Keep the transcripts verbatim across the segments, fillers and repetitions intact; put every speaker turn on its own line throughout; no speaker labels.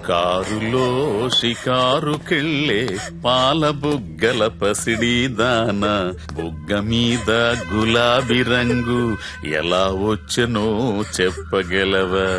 కారులో షికారుకెళ్ళే పాల బుగ్గల పసిడి దాన బుగ్గ మీద గులాబీ రంగు ఎలా వచ్చనో చెప్పగలవా?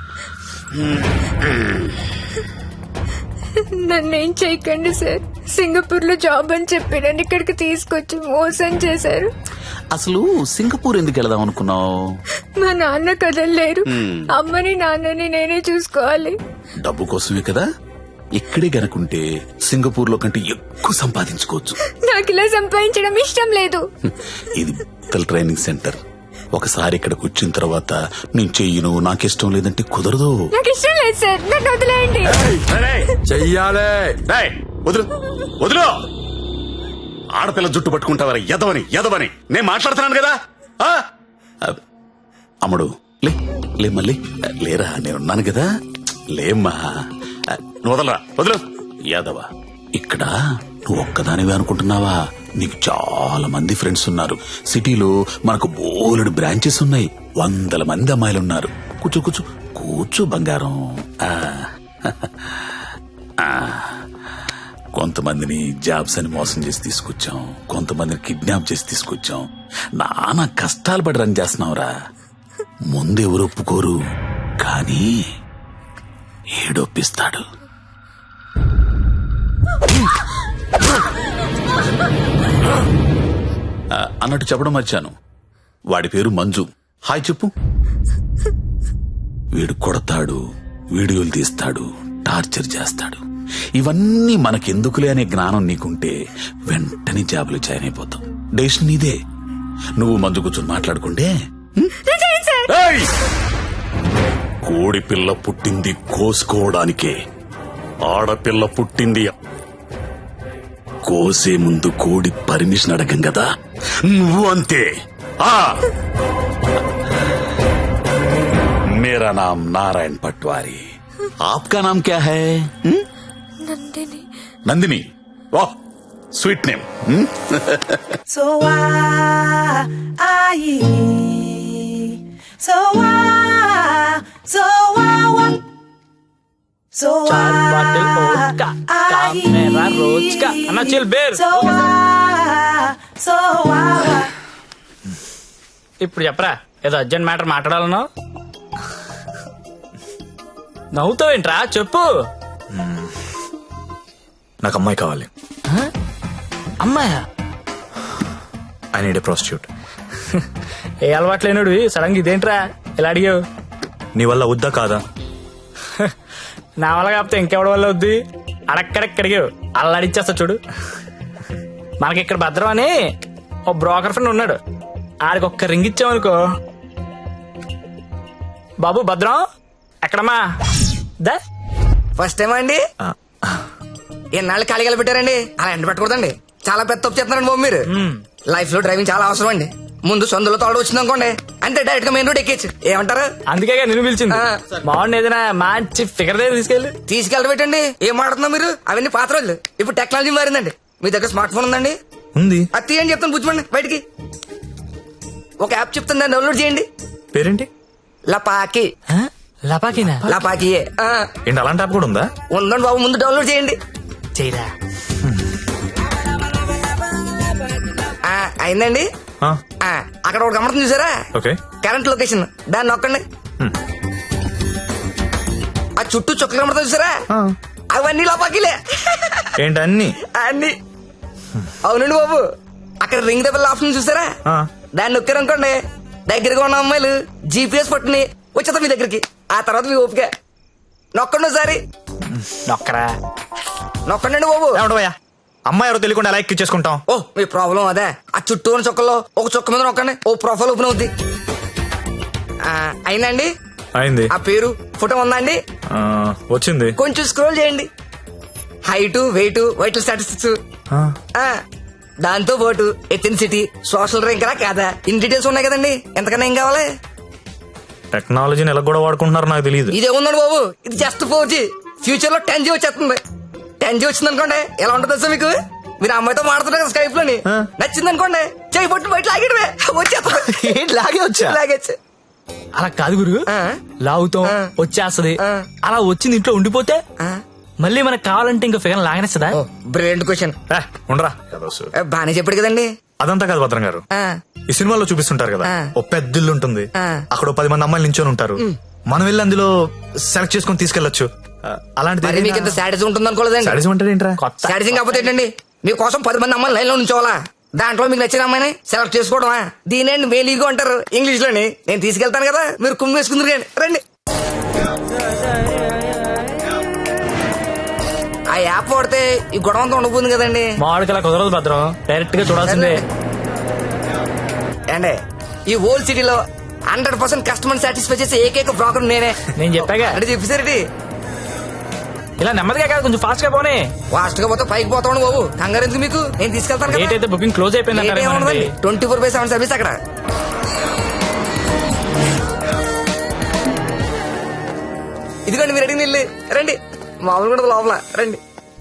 నన్నేం చేయకండి సార్. సింగపూర్ లో జాబ్ అని చెప్పి నన్ను ఇక్కడికి తీసుకొచ్చి మోసం చేశారు.
అసలు సింగపూర్ ఎందుకు వెళదాం అనుకున్నావు?
మా నాన్న కదలలేరు. అమ్మని నాన్నని నేనే చూసుకోవాలి.
డబ్బు కోసమే కదా. ఇక్కడే గనుకుంటే సింగపూర్ లో కంటే ఎక్కువ సంపాదించుకోవచ్చు.
నాకు ఇలా సంపాదించడం ఇష్టం లేదు.
ఇది పిల్లల ట్రైనింగ్ సెంటర్. ఒకసారి ఇక్కడికి వచ్చిన తర్వాత నేను చెయ్యను, నాకిష్టం లేదంటే కుదరదు.
నాకు ఇష్టం లేదు సార్, నన్ను వదిలేయండి.
చెయ్యాలే.
వదులు వదులు. ఆడపిల్ల జుట్టు పట్టుకుంటావరా ఎదవని ఎదవని నేను మాట్లాడుతున్నాను కదా. అమ్ముడు లే లే మళ్ళీ లేరా, నేనున్నాను కదా. లేమ్మా, వదలరా వదులు. యాదవా, ఇక్కడ నువ్వు ఒక్కదానివే అనుకుంటున్నావా? నీకు చాలా మంది ఫ్రెండ్స్ ఉన్నారు. సిటీలో మనకు బోలెడు బ్రాంచెస్ ఉన్నాయి. వందల మంది అమ్మాయిలు ఉన్నారు. కూర్చో కూర్చో కూర్చో బంగారం. కొంతమందిని జాబ్స్ అని మోసం చేసి తీసుకొచ్చాం, కొంతమందిని కిడ్నాప్ చేసి తీసుకొచ్చాం. నానా కష్టాలు పడి రన్ చేస్తున్నావురా. ముందెవరు ఒప్పుకోరు, కానీ ఏడొప్పిస్తాడు. అన్నట్టు చెప్పడం మర్చాను, వాడి పేరు మంజు. హాయ్ చెప్పు. వీడు కొడతాడు, వీడియోలు తీస్తాడు, టార్చర్ చేస్తాడు. ఇవన్నీ మనకెందుకులే అనే జ్ఞానం నీకుంటే వెంటనే జాబులు జాయిన్ అయిపోతాం. డెసిషన్ నీదే. నువ్వు మంజు కూర్చొని మాట్లాడుకుంటే. కోడి పిల్ల పుట్టింది కోసుకోవడానికే, ఆడపిల్ల పుట్టింది కోసే ముందు కోడి పర్మిషన్ అడగం కదా. నువ్వు అంతే. मेरा नाम नारायण पटवारी, आपका नाम क्या है?
నందిని.
नंदिनी, वाह sweet name.
So why, so why, so why, so
चार बाटल वोडका, काम मेरा रोज का. अन्ना chill beer.
so why, so why.
ఇప్పుడు చెప్పరా, ఏదో అర్జెంట్ మ్యాటర్ మాట్లాడాలనో. నవ్వుతావేంట్రా, చెప్పు.
నాకు అమ్మాయి కావాలి.
అమ్మాయా?
I need a prostitute.
ఏ అలవాటు లేనుడివి సడన్ గా ఇదేంట్రా ఇలా అడిగావు?
నీ వల్ల వద్దా కాదా?
నా వల్ల కాకపోతే ఇంకెవడి వల్ల వద్ది? అడక్కడెక్కడిగావు అలా అడిచేస్తా చూడు. మనకి ఇక్కడ భద్రం అని ఓ బ్రోకర్ ఫ్రెండ్ ఉన్నాడు. ఆడికి ఒక్క రింగ్ ఇచ్చామనుకో. బాబు భద్రం ఎక్కడమ్మా? దా
ఫస్ట్ టైం అండి. ఎన్నాళ్ళు ఖాళీగా పెట్టారండి, అలా ఎండ పెట్టకూడదండి. చాలా పెద్ద తప్పు చెప్తున్నారండి బాబు మీరు. లైఫ్ లో డ్రైవింగ్ చాలా అవసరం అండి. ముందు సొందులో తోడు వచ్చింది అనుకోండి, అంటే డైరెక్ట్ గా మెయిన్ రోడ్ ఎక్కేచ్చు. ఏమంటారు?
అందుకే నిన్ను పిలిచింది. బాగుంది, ఏదైనా మంచి ఫిగర్ దగ్గర తీసుకెళ్ళి
తీసుకెళ్ళ పెట్టండి. ఏం మాడుతున్నా మీరు? అవన్నీ పాత రోజులు. ఇప్పుడు టెక్నాలజీ మారిందండి. మీ దగ్గర స్మార్ట్ ఫోన్ ఉందండి?
ఉంది.
అది తీయండి చెప్తాను, పుచ్చుకోండి బయటికి. ఒక యాప్ చెప్తాను, దాన్ని డౌన్లోడ్ చేయండి.
పేరేంటి?
లపాకి.
లపాకినా?
లపాకి
ఏంటి అలాంటి యాప్ కూడా ఉందా?
ఉందండి బాబు, ముందు డౌన్లోడ్ చేయండి.
చేయరా.
అయిందండి. అక్కడ ఒకటి గమనం చూసారా?
ఓకే.
కరెంట్ లొకేషన్, దాన్ని నొక్కండి. ఆ చుట్టూ చుక్కలు కమడతా చూసారా? అవన్నీ లోపాకిలే.
ఏంటి అన్ని?
అన్ని అవునండి బాబు. అక్కడ రింగ్ దెబ్బల ఆప్షన్ చూసారా? దాన్ని నొక్కారనుకోండి, దగ్గరగా ఉన్న అమ్మాయిలు జీపీఎస్ పట్టుని వచ్చేస్తా మీ దగ్గరికి. ఆ తర్వాత మీ ఓపిక. నొక్కండి ఒకసారి.
నొక్కరా.
నొక్కండి బాబు.
ఏమంటావయ్యా, అమ్మాయి ఎవరో తెలియకుండా ఎలా ఎక్కించేసుకుంటాం?
ఓ మీ ప్రాబ్లం అదే. ఆ చుట్టూ ఉన్న చుక్కల్లో ఒక చుక్క మీద నొక్కండి, ఓ ప్రొఫైల్ ఓపెన్ అవుద్ది. అయిందండి?
అయింది.
ఆ పేరు ఫోటో ఉందా అండి?
వచ్చింది.
కొంచెం స్క్రోల్ చేయండి. హైట్, వెయిట్, వైటల్ స్టాటిస్టిక్స్, దాంతో పాటు ఎథెన్సిటీ, సోషల్ ర్యాంక్ రా కాదా, ఇన్ డీటెయిల్స్ ఉన్నాయి కదండి. ఎంతకన్నా ఏం కావాలి?
టెక్నాలజీని ఎలా కూడా వాడుకుంటున్నారో నాకు తెలియదు.
ఇదే ఉందండి బాబు, ఇది జస్ట్ ఫోర్ జీ. ఫ్యూచర్ లో టెన్ జీ వచ్చేస్తుంది. టెన్ జీ వచ్చింది అనుకోండి, ఎలా ఉంటుంది సార్ మీకు? మీరు అమ్మాయితో మాడుతున్నారు కదా స్కైప్ లోని, నచ్చింది అనుకోండి, చేయి పట్టు బయట లాగేటమే వచ్చేస్తుంది.
లాగే వచ్చా?
లాగేచ్చు.
అలా కాదు గురు
ఆ.
లాగుతాం
ఆ.
వచ్చేస్తది
ఆ.
అలా వచ్చింది ఇంట్లో ఉండిపోతే
ఆ.
మళ్ళీ మనకు కావాలంటే ఇంకో ఫిగర్ లాగనేస్తుందా
ఓ బ్రిలియంట్ క్వశ్చన్.
ఏ, ఉండరా ఏదో సు-
బానే చెప్పాడు కదండి.
అదంతా కాదు భద్రం గారు.
ఆ.
ఈ సినిమాలో చూపిస్తుంటారు కదా
ఆ.
ఓ పెద్ద ఇల్లు ఉంటుంది,
ఆ.
అక్కడ ఓ పది మంది అమ్మాయిలు నించొని ఉంటారు, మనం వెళ్ళి అందులో సెలెక్ట్ చేసుకొని తీసుకెళ్లొచ్చు. ఆ, అలాంటిది
మరి మీకు ఇంత శాడిజం ఉంటుంది అనుకోలేదండి.
సాడిజం అంటే ఏంట్రా?
కొత్త
శాడిజం కాకపోతే ఏంటండి, మీకోసం పది మంది అమ్మాయిలు లైన్ లో ఉంచోవాలా, దాంట్లో మీకు నచ్చిన అమ్మాయిని సెలెక్ట్ చేసుకోవడమా? దీనేండి మేలీగో అంటారు ఇంగ్లీష్ లోని. నేను తీసుకెళ్తాను కదా, మీరు కుమ్మి వేసుకుందరు కానీ రండి. ఆ యాప్ వాడితే ఈ గొడవ అంతా ఉండబోతుంది కదండి.
మామిడికి అలా కుదరదు భద్రం, డైరెక్ట్ గా చూడాల్సిందే.
అండి ఈ హోల్ సిటీలో హండ్రెడ్ పర్సెంట్ కస్టమర్ సాటిస్ఫై చేసే ఏకైక బ్రోకర్ నేనే.
నేను చెప్పాగా
అంటే చెప్పేసరికి
ఇలా నెమ్మదిగా కాదు, కొంచెం ఫాస్ట్ గా పోనీ.
ఫాస్ట్ గా పోతే పైకి పోతాను బాబు, కంగారు ఎందుకు మీకు, నేను తీసుకెళ్తాను
డేట్ అయితే బుకింగ్ క్లోజ్ అయిపోయింది.
Twenty four by seven service అక్కడ. ఇదిగోండి మీరు అడిగిన ఇల్లు, రండి. మామూలు కూడా లోపల రండి.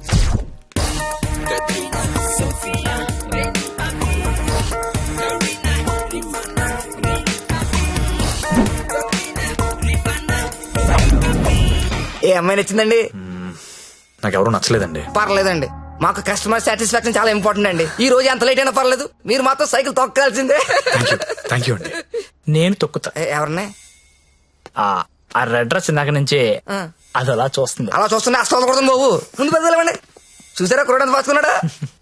ఏ అమ్మాయి నచ్చిందండి?
నాకు ఎవరు నచ్చలేదండి.
పర్లేదండి, మాకు కస్టమర్ సాటిస్ఫాక్షన్ చాలా ఇంపార్టెంట్ అండి. ఈ రోజు ఎంత లేట్ అయినా పర్లేదు, మీరు మాత్రం సైకిల్ తొక్కాల్సిందే.
థ్యాంక్ యూ అండి.
నేను తొక్కుతా.
ఏ, ఎవరిని?
ఆ ఆ రెడ్ డ్రెస్ ఇందాక నుంచి
ఆ.
అది అలా చూస్తుంది.
అలా చూస్తున్నా అస్తం కొడుతుంది బాబు. ముందు పెద్దలేమండి, చూసారా కురడానికి పాసుకున్నాడా?